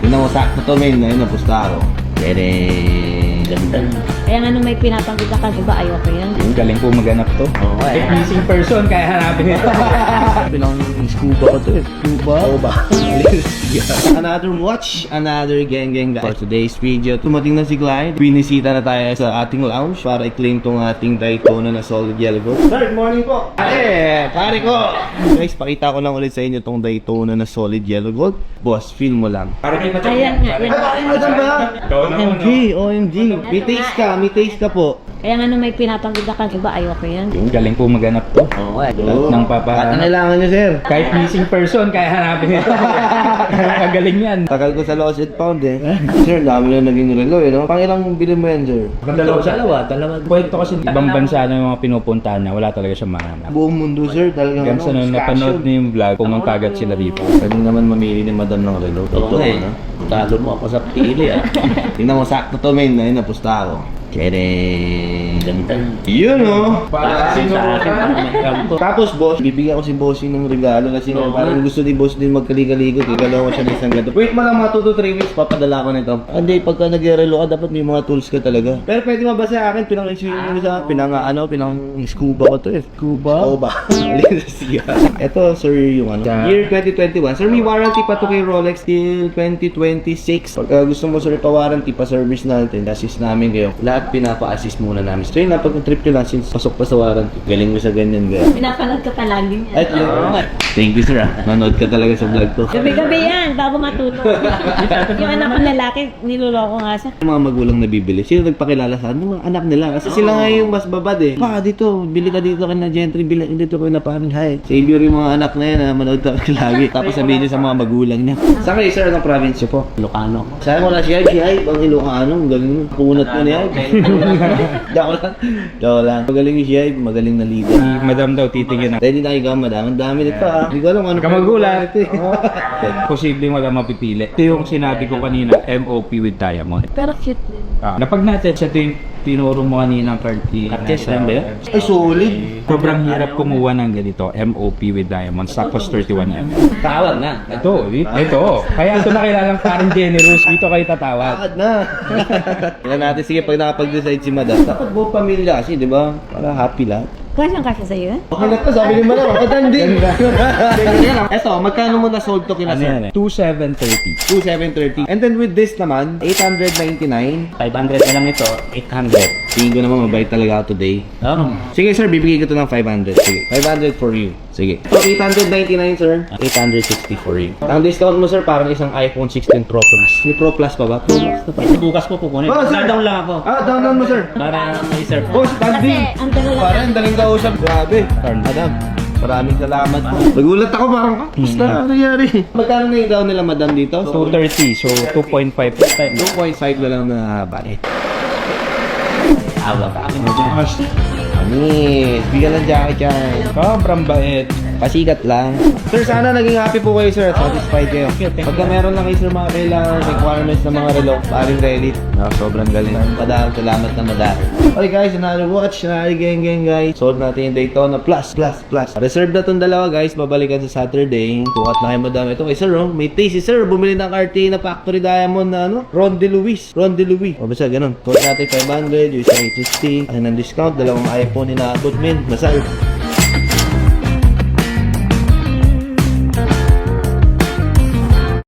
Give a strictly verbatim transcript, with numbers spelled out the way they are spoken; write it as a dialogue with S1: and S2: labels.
S1: Tingnan mo, sakto to, men. Ngayon, napusta ako. Pwede. Ganda.
S2: Kaya nga nung may pinapagod ka, diba ayoko yan?
S3: Yung galing po maganap to.
S1: Oo, eh.
S3: If missing person, kaya hanapin ito.
S1: Pinang scuba ko to eh. Scuba? Oo ba? Another watch, another gang gang guys. For today's video, tumating na si Clyde. Binisita na tayo sa ating lounge para i-claim tong ating Daytona na solid yellow gold. Sir, good morning po. Pare, pare ko. Guys, pakita ko lang ulit sa inyo tong Daytona na solid yellow gold. Boss, feel mo lang.
S3: Parang di pa
S2: Ayan nga, yan.
S1: Ano ba? O M G, O M G. May taste ka, may taste ka po.
S2: Kaya nga nung may pinapagod ka, diba ayoko yan?
S3: Yung galing po maganap to.
S1: Oo, eh.
S3: Lahat ng papa.
S1: At kailangan nyo, sir.
S3: Kahit missing person, kaya hanapin ito. Kagaling yan.
S1: Tagal ko sa lost and found eh. Sir, dami na naging relo eh, no? Pang ilang bilhin mo yan, sir?
S3: Dalawa, dalawa, dalawa. Kwento kasi ibang bansa na yung mga pinupuntahan niya, wala talaga siyang mahanap.
S1: Buong mundo, sir. Talagang
S3: Kaya sa nung napanood niyo yung vlog, kung ang kagat sila dito.
S1: Pwede naman mamili ni madam ng relo. Totoo,
S4: eh.
S1: no?
S4: Talo mo ako sa pili ah.
S1: Tingnan mo, sakto to, men. Ayun, napusta ako. Kere.
S4: Ganda.
S1: Yun, no?
S4: Para sa akin parang may kampo.
S1: Tapos, boss, bibigyan ko si bossing ng regalo kasi nga parang gusto ni boss din magkaligaligod. Igalaw ko siya ng isang ganito. Wait mo lang mga two to three weeks, papadala ko nito. Hindi, pagka nag-relo ka, dapat may mga tools ka talaga. Pero pwede mo ba sa akin, pinang-swimming mo sa, pinang, ano, pinang-scuba ko to eh. Scuba? Oo ba? Ito, sir, yung ano, year twenty twenty-one. Sir, may warranty pa to kay Rolex till twenty twenty-six. Pagka gusto mo, sir, pa-warranty, pa-service natin, assist namin kayo. Lahat pinapa-assist muna namin. So yun, napag-trip nyo lang since pasok pa sa warranty. Galing mo sa ganyan, gaya.
S2: Pinapanood ka palagi niya.
S1: At yun. Thank you, sir. Ah. Nanood ka talaga sa vlog ko.
S2: Gabi-gabi yan, bago matulog. Yung anak ko lalaki, niloloko nga siya.
S1: Yung mga magulang na bibili, sino nagpakilala sa akin? Yung mga anak nila. Kasi sila nga yung mas babad eh. Pa, dito, bili ka dito ka na Gentry, bili dito ko na parang hi. Savior yung mga anak na yan na manood ka lagi. Tapos sabihin niya sa mga magulang niya. Saan kayo, sir? Anong province niyo po?
S4: Ilocano.
S1: Saan mo na si Hype? Si Hype, ang Ilocano. Galing mo. Punat mo niya. Dako lang. Dako lang. Magaling yung si Hype, magaling na leader.
S3: Si madam daw titingin na.
S1: Ready na kayo, madam. Ang dami nito ah. Hindi ko alam ano.
S3: Kamagulat.
S1: ito eh.
S3: Posibleng wala mapipili. Ito yung sinabi ko kanina, M O P with diamond.
S2: Pero cute din.
S3: Ah, napag natin siya ito yung tinuro mo kanina ng thirty.
S4: Artist lang ba yun?
S1: Ay, solid.
S3: Sobrang hirap kumuha ng ganito, M O P with diamond, tapos thirty-one millimeter.
S4: Tawag na.
S3: Ito, ito. Kaya ito nakilalang parang generous. Dito kayo tatawag.
S1: Bakit na? Tingnan natin, sige, pag nakapag-decide si madam. Dapat buong pamilya kasi, di ba? Para happy lahat.
S2: Kasyang kasya sa'yo yan?
S1: Okay na to, sabi ni madam. Madam din. Eto, magkano mo na-sold to kina
S3: Ano yan
S1: sir?
S3: eh? two seven thirty.
S1: two seven thirty. And then with this naman, eight ninety-nine.
S4: five hundred na lang ito. eight hundred.
S1: Tingin ko naman mabait talaga ako today.
S4: Oh.
S1: Sige sir, bibigay ko to ng five hundred. Sige, five hundred for you. Sige. So, eight ninety-nine sir.
S4: eight hundred sixty for you.
S1: Ang discount mo sir, parang isang iPhone sixteen Pro Plus. May Pro Plus pa ba? Pro Plus na pa.
S4: Bukas po kukunin.
S1: Oh, sir.
S4: Down lang ako.
S1: Ah, down down mo sir.
S4: Para may sir.
S1: Oh,
S2: Kasi
S1: standing.
S2: ang dala lang.
S1: Parang daling kausap. Grabe. Madam, maraming salamat po. Nagulat ako parang, ah, basta ano nangyari? Magkano na yung down nila madam dito?
S3: two thirty, so two point five percent.
S1: two point five na lang na bali.
S4: Awa ka.
S1: Anis, bigyan ng jacket yan.
S3: Sobrang bait.
S1: Pasikat lang. Sir, sana naging happy po kayo sir. Satisfied kayo. Pagka meron lang kayo sir mga kailangan requirements ng mga relo, paring ready. Ah, sobrang galing. Madam, salamat na madam. Okay guys, another watch, another gang gang guys. Sold natin yung Daytona Plus, Plus, Plus. Reserve na tong dalawa guys, babalikan sa Saturday. Tukat na kayo madam. Ito kay sir, oh. May taste si sir. Bumili ng R T na Factory Diamond na ano, Ron De Luis. Ron De Luis. O basta ganun. Tukat natin five hundred, yung isa eight fifty. Ay ng discount, dalawang iPhone ni naabot min. Masal.